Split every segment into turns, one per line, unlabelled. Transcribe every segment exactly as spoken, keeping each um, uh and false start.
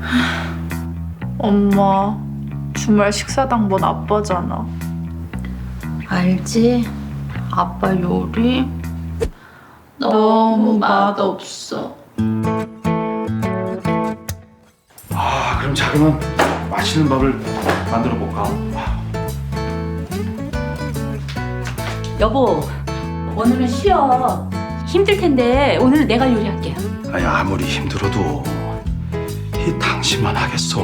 엄마, 주말 식사당번 아빠잖아.
알지? 아빠 요리
너무 맛없어.
아, 그럼 자그만 맛있는 밥을 만들어 볼까?
여보, 오늘은 쉬어. 힘들 텐데 오늘은 내가 요리할게.
아니, 아무리 힘들어도 이 당신만 하겠어.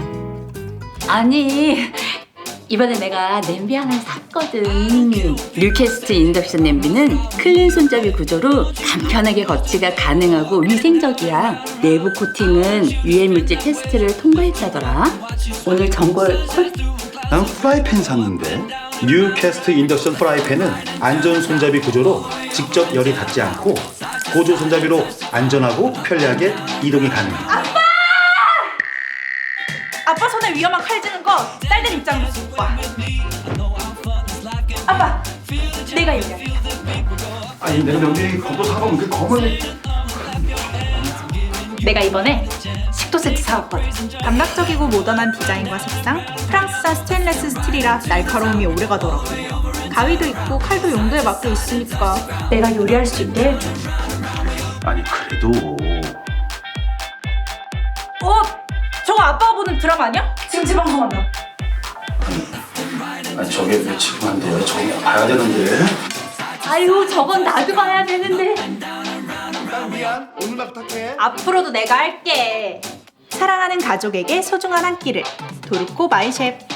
아니, 이번에 내가 냄비 하나 샀거든. 뉴캐스트 인덕션 냄비는 클린 손잡이 구조로 간편하게 거치가 가능하고 위생적이야. 내부 코팅은 유해 물질 테스트를 통과했다더라. 오늘 전골 콜.
난 프라이팬 샀는데 뉴캐스트 인덕션 프라이팬은 안전 손잡이 구조로 직접 열이 닿지 않고 보조 손잡이로 안전하고 편리하게 이동이 가능해.
아빠 손에 위험한 칼 쥐는 거 딸들 입장으로서 못 봐. 아빠, 내가 요리할게.
아니, 내가 여기 검도 사보면 그 검을
내가 이번에 식도 세트 사왔거든. 감각적이고 모던한 디자인과 색상, 프랑스산 스테인레스 스틸이라 날카로움이 오래가더라고. 가위도 있고 칼도 용도에 맞게 있으니까 내가 요리할 수 있게 해줘.
아니, 그래도
어? 저거 아빠가 보는 드라마 아니야? 지금 재방송한다.
아니, 저게 왜 지금 안 돼요? 저거 봐야 되는데.
아유, 저건 나도 봐야 되는데.
미안, 오늘만 부탁해.
앞으로도 내가 할게. 사랑하는 가족에게 소중한 한 끼를. 도르코 마이셰프.